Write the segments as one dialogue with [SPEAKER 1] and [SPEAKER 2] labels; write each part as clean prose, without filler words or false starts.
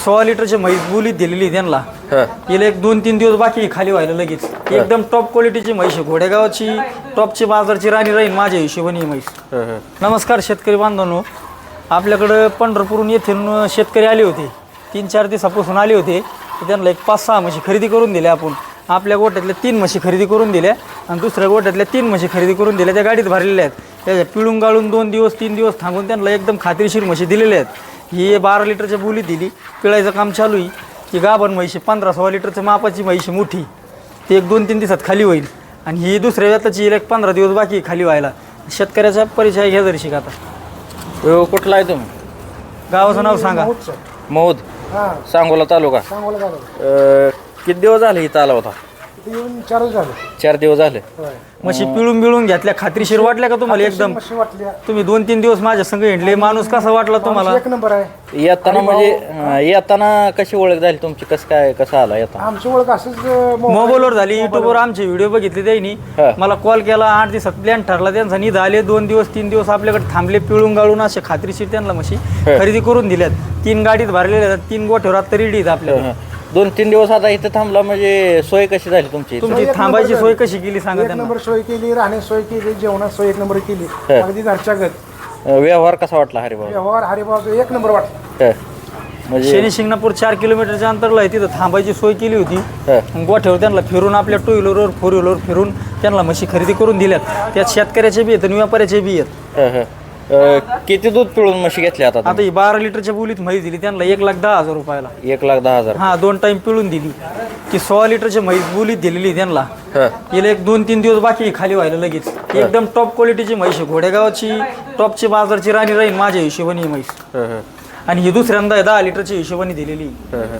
[SPEAKER 1] 16 लिटरची म्हैस बोलीत दिलेली त्यांना. हिला एक 2-3 दिवस बाकी खाली व्हायला लगेच. एकदम टॉप क्वालिटीची म्हैस आहे, घोडेगावची टॉपची बाजारची राणी राहील माझ्या हिशोबाने म्हैस. नमस्कार शेतकरी बांधवांनो, आपल्याकडं पंढरपूरहून येथून शेतकरी आले होते, 3-4 दिवसापासून आले होते. तर त्यांना एक 5-6 म्हशी खरेदी करून दिल्या. आपण आपल्या गोठ्यातल्या 3 म्हशी खरेदी करून दिल्या आणि दुसऱ्या गोठ्यातल्या 3 म्हशी खरेदी करून दिल्या. त्या गाडीत भरलेल्या आहेत. त्याच्या पिळून गाळून 2 दिवस 3 दिवस थांबून त्यांना एकदम खात्रीशीर म्हशी दिलेल्या आहेत. ही 12 लिटरच्या बोली दिली, पिळायचं काम चालू आहे. ही गाभण म्हशी 15-16 लिटरच्या मापाची म्हशी मोठी, ती एक 2-3 दिवसात खाली होईल. आणि ही दुसऱ्या व्यताची एक 15 दिवस बाकी खाली व्हायला. शेतकऱ्याचा परिचय घ्या जरी शिका. आता
[SPEAKER 2] कुठला आहे तुम्ही?
[SPEAKER 1] गावाचं नाव सांगा.
[SPEAKER 2] मौद, सांगोला तालुका. किती दिवस झाले इथं आला होता? 4 दिवस झाले.
[SPEAKER 1] म्हशी पिळून बिळून घेतल्या, खात्रीशीर वाटल्या का तुम्हाला? एकदम. तुम्ही 2-3 दिवस माझ्या संग हिंडले, माणूस कसा वाटला तुम्हाला?
[SPEAKER 3] एक नंबर आहे.
[SPEAKER 2] येताना म्हणजे येताना कशी ओळख झाली तुमची? कसं आला येताना?
[SPEAKER 3] आमची ओळख असंच
[SPEAKER 1] मोबाईलवर झाली, युट्यूबवर आमचे व्हिडिओ बघितले त्यांनी. मला कॉल केला, 8 दिवसात प्लॅन ठरला त्यांचा. निध आले, 2 दिवस 3 दिवस आपल्याकडे थांबले, पिळून गाळून असे खात्रीशीर त्यांना म्हशी खरेदी करून दिल्यात. 3 गाडीत भरलेल्या आहेत, 3 गोठ्यावर आता रेडी आहेत आपल्याला.
[SPEAKER 2] 2-3 दिवस आता इथं थांबला म्हणजे सोय कशी झाली तुमची?
[SPEAKER 1] तुमची थांबायची सोय कशी केली सांगा
[SPEAKER 3] एक
[SPEAKER 1] त्यांना.
[SPEAKER 3] नंबर सोय केली, राहण्याची सोय केली, जेवणाची सोय 1 नंबर केली, अगदी घरच्या गत.
[SPEAKER 2] व्यवहार कसा वाटला हरिभाऊ?
[SPEAKER 3] व्यवहार हरिभाऊ 1 नंबर वाटला.
[SPEAKER 2] म्हणजे
[SPEAKER 1] शनी शिंगणापूर 4 किलोमीटरच्या अंतरला आहे, तिथं थांबायची सोय केली होती. गोठ्यावर त्यांना फिरून, आपल्या 2 व्हीलरवर 4 व्हीलरवर फिरून त्यांना म्हशी खरेदी करून दिल्यात. त्यात शेतकऱ्याचे बी आहेत आणि व्यापाऱ्याचे बी आहेत.
[SPEAKER 2] किती दूध पिळून म्हशी घेतली आता?
[SPEAKER 1] आता ही 12 लिटरच्या बोलीत म्हैस दिली त्यांना 1,10,000 रुपयाला.
[SPEAKER 2] 1,10,000.
[SPEAKER 1] हा, 2 टाइम पिळून दिली. ती 16 लिटरची म्हैस बोलीत दिलेली त्यांना. हिला एक 2-3 दिवस बाकी खाली व्हायला लगेच. एकदम टॉप क्वालिटीची म्हैस आहे, घोडेगावची टॉपची बाजारची राणी राहील माझ्या हिशोबाने ही म्हैस. आणि ही दुसऱ्यांदा 10 लिटरची हिशोबाने दिलेली.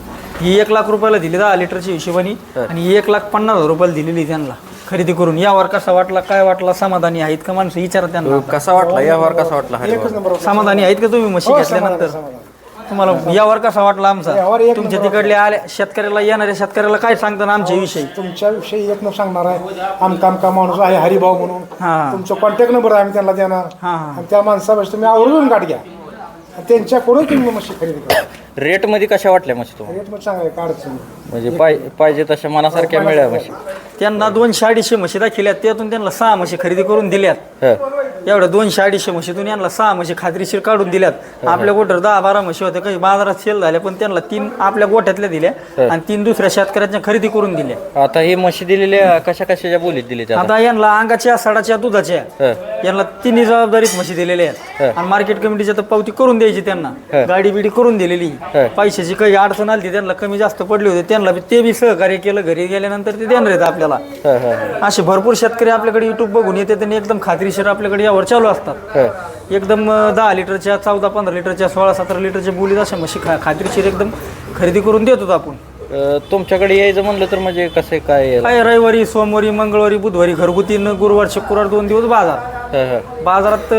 [SPEAKER 1] ही 1 लाख रुपयाला दिली 10 लिटरची हिशोबाने, आणि ही 1,50,000 रुपयाला दिलेली त्यांना खरेदी करून. यावर कसा वाटला, काय वाटला, समाधानी आहेत का माणसं विचारा त्यांना.
[SPEAKER 2] कसा वाटला यावर? कसा वाटला हरिभाऊ?
[SPEAKER 1] समाधानी आहेत का तुम्ही म्हशी घेतल्यानंतर? तुम्हाला यावर कसा वाटला आमचा? तुमच्या तिकडल्या आल्या शेतकऱ्याला, येणाऱ्या शेतकऱ्याला काय सांगता आमच्या विषयी?
[SPEAKER 3] तुमच्या विषयी 1 नंबर सांगणार आहे. आमका माणूस आहे हरिभाऊ म्हणून. तुमचा कॉन्टॅक्ट नंबर आम्ही त्यांना देणार. आणि त्या माणसापासून तुम्ही आवर्जून गाठ घ्या, त्यांच्याकडून तुम्ही म्हशी खरेदी करा.
[SPEAKER 2] रेट मध्ये कशा वाटल्या म्हशी तुम्हाला?
[SPEAKER 3] रेट मध्ये चांगला काय अडचण नाही.
[SPEAKER 2] म्हणजे पाहिजे तशा मनासारख्या मिळाल्या म्हशी.
[SPEAKER 1] त्यांना 200-250 म्हशी दाखिल्यात, त्यातून त्यांना 6 म्हशी खरेदी करून दिल्यात. एवढ्या 200-250 म्हशीतून यांना 6 म्हशी खात्रीशीर काढून दिल्यात. आपल्या गोठ्यावर 10-12 म्हशी होत्या, काही बाजारात सेल झाल्या, पण त्यांना 3 आपल्या गोठ्यातल्या दिल्या आणि 3 दुसऱ्या शेतकऱ्यांच्या खरेदी करून दिल्या.
[SPEAKER 2] आता ही म्हशी दिलेल्या कशाच्या बोलीत दिली?
[SPEAKER 1] आता यांना अंगाच्या, सडाच्या, दुधाच्या, यांना 3 जबाबदारीत म्हशी दिलेल्या आहेत. आणि मार्केट कमिटीच्या तर पावती करून द्यायची त्यांना, गाडी बिडी करून दिलेली. पैशाची काही अडचण आली, त्यांना कमी जास्त पडली होते, त्यांना ते बी सहकार्य केलं. घरी गेल्यानंतर ते देणार आहेत आपल्याला. असे भरपूर शेतकरी आपल्याकडे युट्यूब बघून येतात आणि एकदम खात्रीशीर आपल्याकडे यावर चालू असतात. एकदम 10 लिटरच्या, 14-15 लिटरच्या, 16-17 लिटरच्या बोलीत अशा म्हशी खात्रीशीर एकदम खरेदी करून देतो आपण.
[SPEAKER 2] तुमच्याकडे यायचं म्हणलं तर म्हणजे कसं काय?
[SPEAKER 1] रविवारी, सोमवारी, मंगळवारी, बुधवारी घरगुती, गुरुवार, शुक्रवार 2 दिवस बाजारात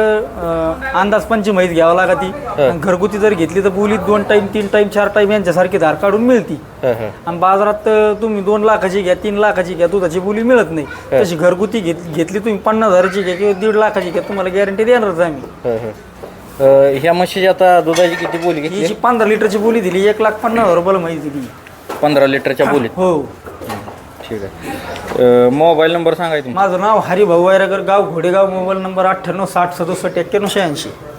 [SPEAKER 1] अंदाज पंची म्हैस घ्यावं लागती. घरगुती जर घेतली तर बोलीत 2 टाइम 3 टाइम 4 टाइम यांच्यासारखी धार काढून मिळती. आणि बाजारात तुम्ही 2 लाखाची घ्या, 3 लाखाची घ्या, दुधाची बोली मिळत नाही. तशी घरगुती घेतली तुम्ही 50,000ची घ्या किंवा 1.5 लाखाची घ्या, तुम्हाला गॅरंटी देणारच आम्ही.
[SPEAKER 2] ह्या म्हशीची आता दुधाची किती बोली घेतली?
[SPEAKER 1] ही 15 लिटरची बोली दिली, 1,50,000 रुपयाला म्हैस दिली.
[SPEAKER 2] 15 लिटरच्या बोलीत?
[SPEAKER 1] हो.
[SPEAKER 2] ठीक आहे. मोबाईल नंबर सांगायचं?
[SPEAKER 1] माझं नाव हरिभाऊ वायरगर, गाव घोडेगाव. Mobile number 98 60 67 91 86.